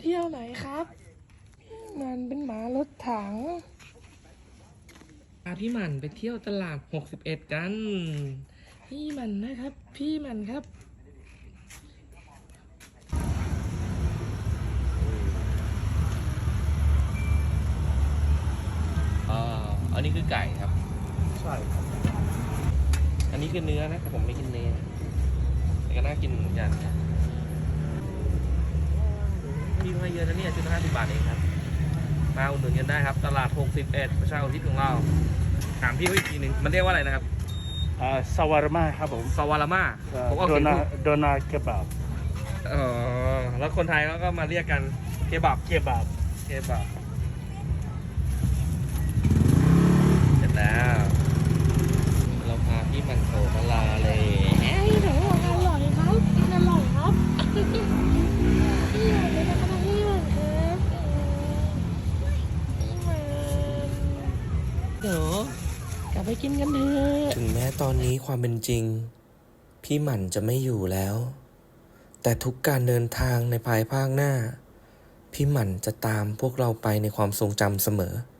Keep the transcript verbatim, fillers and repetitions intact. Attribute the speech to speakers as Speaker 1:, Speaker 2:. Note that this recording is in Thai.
Speaker 1: ที่ยวไหนครับมันเป็นหมารถถังพาพี่หมันไปเที่ยวตลาดหกสิบเอ็ดกันพี่หมันนะครับพี่หมันครับอ่าอันนี้คือไก่ครับ
Speaker 2: ใช่ครับ
Speaker 1: อันนี้คือเนื้อนะแต่ผมไม่กินเนื้อแต่ก็น่ากินเหมือนกันพี่ให้เยอะนะเนี่ยชุดละห้าสิบบาทเองครับมาอุดหนุนกันได้ครับตลาดหกสิบเอ็ดประชาอุทิศของเราถามพี่เขาอีกทีหนึ่งมันเรียกว่าอะไรนะครับ
Speaker 2: อ่าซาวาร์มาครับผม
Speaker 1: ซาวาราม่า
Speaker 2: อ่า
Speaker 1: ผมเอา
Speaker 2: โด
Speaker 1: เขียน
Speaker 2: นา
Speaker 1: ถูก
Speaker 2: โดนาเคบับ
Speaker 1: อ๋อแล้วคนไทยเขาก็มาเรียกกันเคบับ
Speaker 2: เคบับ
Speaker 1: เคบับเสร็จแล้วเราพาพี่มันโถมาลาเลยเอ้ยหนูบอกอร่อยครับกินอร่อยครับพี่หมันเป็นอะไรพี่หมันครับพี่หมันเดี๋ยวกลับไปกินกันเถอะถึงแม้ตอนนี้ความเป็นจริงพี่หมันจะไม่อยู่แล้วแต่ทุกการเดินทางในภายภาคหน้าพี่หมันจะตามพวกเราไปในความทรงจำเสมอ